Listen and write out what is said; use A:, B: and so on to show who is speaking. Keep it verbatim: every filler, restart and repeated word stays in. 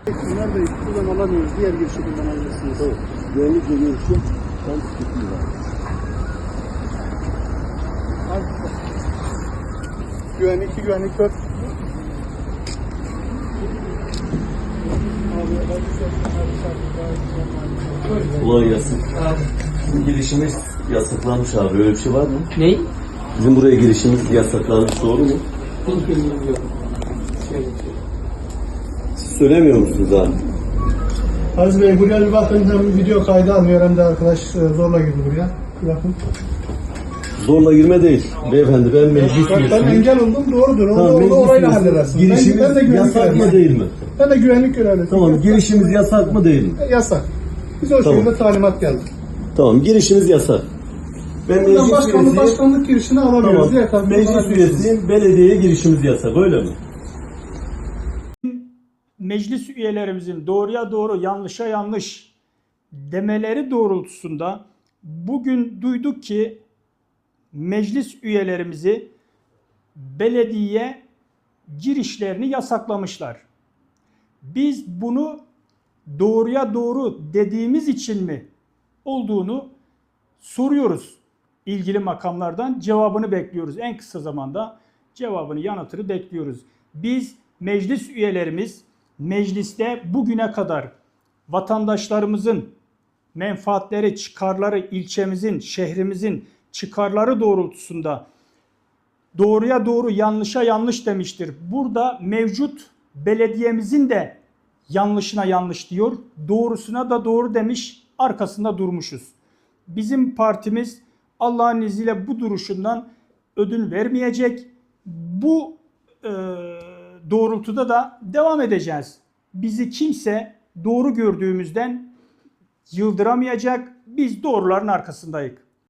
A: Bunlar da buradan alamıyoruz. Diğer girişi kullanabilirsiniz.
B: Tamam. Güvenlikle görüşüm. Tam sıkıntı var.
A: Güvenlik iki, güvenlik dört.
B: Kolay gelsin. Bizim girişimiz yasaklanmış abi. Öyle bir şey var mı?
C: Ney?
B: Bizim buraya girişimiz yasaklanmış, doğru mu?
C: Hiç bilgim yok. Şöyle
B: Siz söylemiyor musunuz abi?
A: Aziz Bey buraya bir bakın, hem video kaydı almıyor hem de arkadaş e, zorla girdi buraya. Bir bakın.
B: Zorla girme değil. Beyefendi ben meclis
A: Ben, ben
B: üyesiyim.
A: engel oldum, doğrudur. Onu,
B: Tamam,
A: onu
B: meclis
A: orayla
B: üyesi.
A: halledersin.
B: Girişimiz
A: ben, ben de güvenlik
B: yasak mı
A: görevlisiyim.
B: değil mi?
A: Ben de güvenlik görevlisiyim.
B: Tamam, girişimiz yasak mı değil mi?
A: E, Yasak. Biz o
B: Tamam.
A: şekilde talimat geldi.
B: Tamam, girişimiz yasak. Ben
A: Buradan
B: meclis
A: başkanlık,
B: üyesiyim.
A: başkanlık girişini alamıyoruz.
B: Tamam,
A: Diğer taraftan
B: meclis
A: alabilirsiniz.
B: üyesiyim. Belediyeye girişimiz yasak, öyle mi?
D: Meclis üyelerimizin doğruya doğru, yanlışa yanlış demeleri doğrultusunda bugün duyduk ki meclis üyelerimizi belediye girişlerini yasaklamışlar. Biz bunu doğruya doğru dediğimiz için mi olduğunu soruyoruz. İlgili makamlardan cevabını bekliyoruz. En kısa zamanda cevabını, yanıtını bekliyoruz. Biz meclis üyelerimiz mecliste bugüne kadar vatandaşlarımızın menfaatleri, çıkarları, ilçemizin, şehrimizin çıkarları doğrultusunda doğruya doğru, yanlışa yanlış demiştir. Burada mevcut belediyemizin de yanlışına yanlış diyor, doğrusuna da doğru demiş, arkasında durmuşuz. Bizim partimiz Allah'ın izniyle bu duruşundan ödün vermeyecek. Bu e, doğrultuda da devam edeceğiz. Bizi kimse doğru gördüğümüzden yıldıramayacak. Biz doğruların arkasındayız.